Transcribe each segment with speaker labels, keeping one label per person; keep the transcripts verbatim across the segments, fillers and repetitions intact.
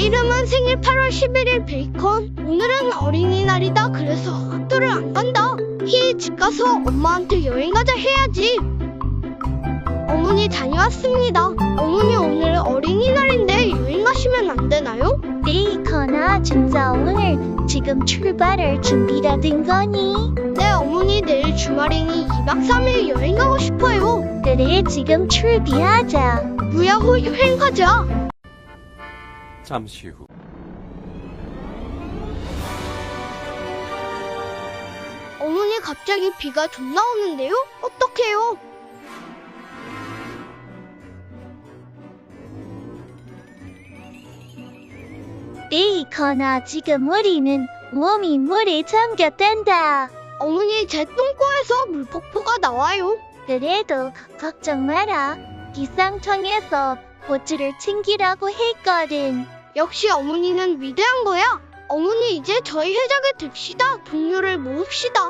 Speaker 1: 이름은 생일 팔월 십일일 베이컨. 오늘은 어린이날이다. 그래서 학교를 안 간다. 히, 집 가서 엄마한테 여행 가자 해야지. 어머니 다녀왔습니다. 어머니 오늘 어린이날인데 여행 가시면 안 되나요?
Speaker 2: 베이컨아, 진짜 오늘 지금 출발할 준비가 된 거니?
Speaker 1: 네 어머니, 내일 주말이니 이박 삼일 여행 가고 싶어요.
Speaker 2: 그래, 지금 출비하자.
Speaker 1: 무야호 여행 가자.
Speaker 3: 잠시 후.
Speaker 1: 어머니 갑자기 비가 존나 오는데요? 어떡해요?
Speaker 2: 베이컨아, 지금 우리는 몸이 물에 잠겼단다.
Speaker 1: 어머니 제 똥꼬에서 물폭포가 나와요.
Speaker 2: 그래도 걱정 마라. 기상청에서 보츠를 챙기라고 했거든.
Speaker 1: 역시 어머니는 위대한 거야. 어머니 이제 저희 회장이 됩시다. 동료를 모읍시다.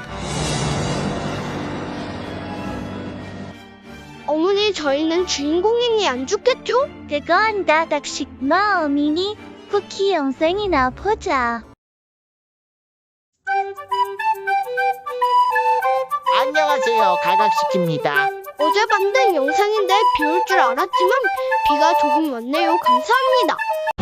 Speaker 1: 어머니 저희는 주인공이니 안 죽겠죠?
Speaker 2: 그건 다닥식 마음이니 쿠키 영상이나 보자.
Speaker 4: 안녕하세요, 가각식입니다.
Speaker 1: 어제 만든 영상인데 비 올 줄 알았지만 비가 조금 왔네요. 감사합니다.